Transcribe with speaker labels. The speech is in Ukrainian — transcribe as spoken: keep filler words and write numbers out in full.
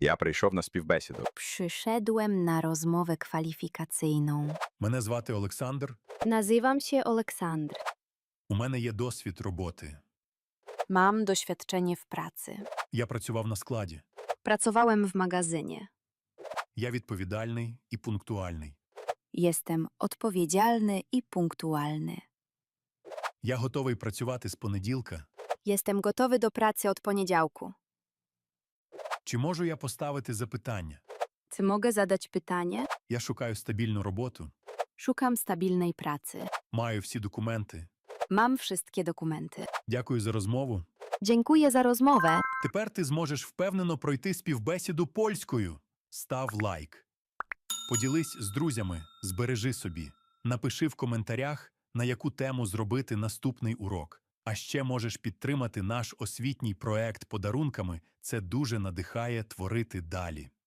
Speaker 1: Я прийшов на співбесіду.
Speaker 2: Przyszedłem na rozmowę kwalifikacyjną.
Speaker 3: Мене звати Олександр.
Speaker 2: Nazywam się Oleksandr.
Speaker 3: У мене є досвід роботи.
Speaker 2: Mam doświadczenie w pracy.
Speaker 3: Я працював на складі.
Speaker 2: Pracowałem w magazynie.
Speaker 3: Я відповідальний і пунктуальний.
Speaker 2: Jestem odpowiedzialny i punktualny.
Speaker 3: Я готовий працювати з понеділка.
Speaker 2: Jestem gotowy do pracy od poniedziałku.
Speaker 3: Чи можу я поставити запитання?
Speaker 2: Czy mogę zadać pytanie?
Speaker 3: Я шукаю стабільну роботу.
Speaker 2: Szukam stabilnej pracy.
Speaker 3: Маю всі документи.
Speaker 2: Mam wszystkie dokumenty.
Speaker 3: Дякую за розмову.
Speaker 2: Dziękuję za rozmowę.
Speaker 3: Тепер ти зможеш впевнено пройти співбесіду польською. Став лайк. Поділись з друзями, збережи собі. Напиши в коментарях, на яку тему зробити наступний урок. А ще можеш підтримати наш освітній проект подарунками. Це дуже надихає творити далі.